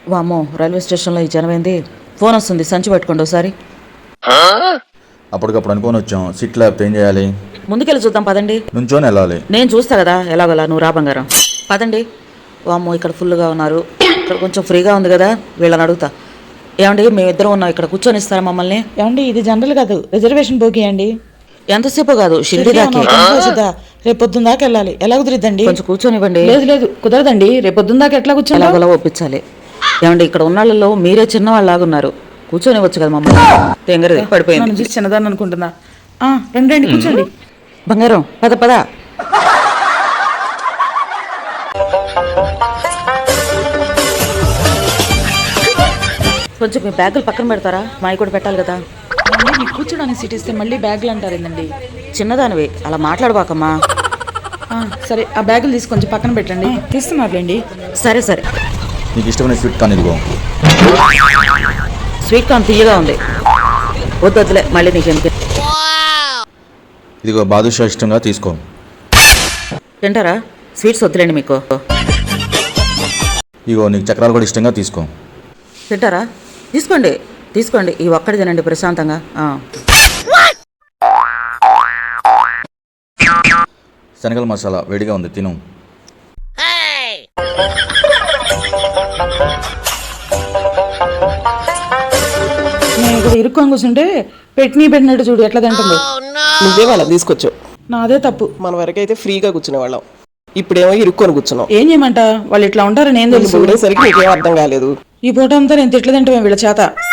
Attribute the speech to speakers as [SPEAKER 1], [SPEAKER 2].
[SPEAKER 1] వామ్మో, రైల్వే స్టేషన్లో ఈ జనమైంది. ఫోన్ వస్తుంది, సంచి పట్టుకోండి ఒకసారి.
[SPEAKER 2] అప్పటికప్పుడు అనుకొని వచ్చాం. సీట్ లేకపోతే ఏం చేయాలి?
[SPEAKER 1] ముందుకెళ్ళి చూద్దాం పదండి.
[SPEAKER 2] నుంచోని వెళ్ళాలి.
[SPEAKER 1] నేను చూస్తా కదా ఎలాగోలా, నువ్వు రా బంగారం. పదండి. వామ్మో, ఇక్కడ ఫుల్గా ఉన్నారు. ఇక్కడ కొంచెం ఫ్రీగా ఉంది కదా, వీళ్ళని అడుగుతా. ఏమండి, మేమిద్దరం ఉన్నాం, ఇక్కడ కూర్చొని ఇస్తారా మమ్మల్ని?
[SPEAKER 3] ఏమండి, ఇది జనరల్ కాదు, రిజర్వేషన్ బోగి అండి.
[SPEAKER 1] ఎంతసేపు కాదు, షిరిడి దాకా.
[SPEAKER 3] రేపు పొద్దున్న దాకా వెళ్ళాలి. ఎలా కుదిరిద్దండి?
[SPEAKER 1] కొంచెం కూర్చొనివ్వండి.
[SPEAKER 3] లేదు లేదు, కుదరదండి. రేపు పొద్దున్న దాకా ఎట్లా కూర్చొని
[SPEAKER 1] ఎలాగోలా ఒప్పించాలి. ఏమండి, ఇక్కడ ఉన్న వాళ్ళలో మీరే చిన్నవాళ్ళలాగున్నారు, కూర్చొనివచ్చు కదా మమ్మల్ని. తెంగరది పడిపోయింది.
[SPEAKER 3] చూసి చిన్నదాన్ని అనుకుంటున్నా. రండి కూర్చోండి.
[SPEAKER 1] బంగారం పద పద. కొంచెం మీ బ్యాగులు పక్కన పెడతారా? మావి కూడా పెట్టాలి కదా.
[SPEAKER 3] మీకు కూర్చోడానికి సీట్ ఇస్తే మళ్ళీ బ్యాగులు అంటారు ఏందండి?
[SPEAKER 1] చిన్నదానివి, అలా మాట్లాడబాకమ్మా.
[SPEAKER 3] సరే, ఆ బ్యాగులు తీసి కొంచెం పక్కన పెట్టండి. తీస్తున్నారులేండి.
[SPEAKER 1] సరే సరే.
[SPEAKER 2] నీకు ఇష్టమైన స్వీట్ కార్న్ ఇదిగో.
[SPEAKER 1] స్వీట్ కార్న్ తీయగా ఉంది, వద్దులే మళ్ళీ నీకు ఎందుకు.
[SPEAKER 2] ఇదిగో బాదుషా, ఇష్టంగా తీసుకో.
[SPEAKER 1] తింటారా? స్వీట్స్ వద్దులేండి మీకు.
[SPEAKER 2] ఇగో నీకు చక్రాలు కూడా ఇష్టంగా తీసుకో.
[SPEAKER 1] తింటారా? తీసుకోండి తీసుకోండి, ఈ ఒక్కటి తినండి ప్రశాంతంగా.
[SPEAKER 2] శనగల మసాలా వేడిగా ఉంది, తిను.
[SPEAKER 3] నేను ఇక్కడ ఇరుక్కొని కూర్చుంటే పెట్టినట్టు చూడు ఎట్లా తింటుందో.
[SPEAKER 4] నువ్వే వాళ్ళని తీసుకొచ్చావు.
[SPEAKER 3] నాదే తప్పు.
[SPEAKER 4] మన వరకు అయితే ఫ్రీగా కూర్చునే వాళ్ళం, ఇప్పుడేమో ఇరుక్కొని కూర్చున్నాం.
[SPEAKER 3] ఏం చేయమంట, వాళ్ళు ఇట్లా ఉంటారని ఏం తెలుసు.
[SPEAKER 4] సరికి నీకేం అర్థం కాలేదు.
[SPEAKER 3] ఈ పూట అంతా నేను తిట్లు తింటామే వీళ్ళ చేత.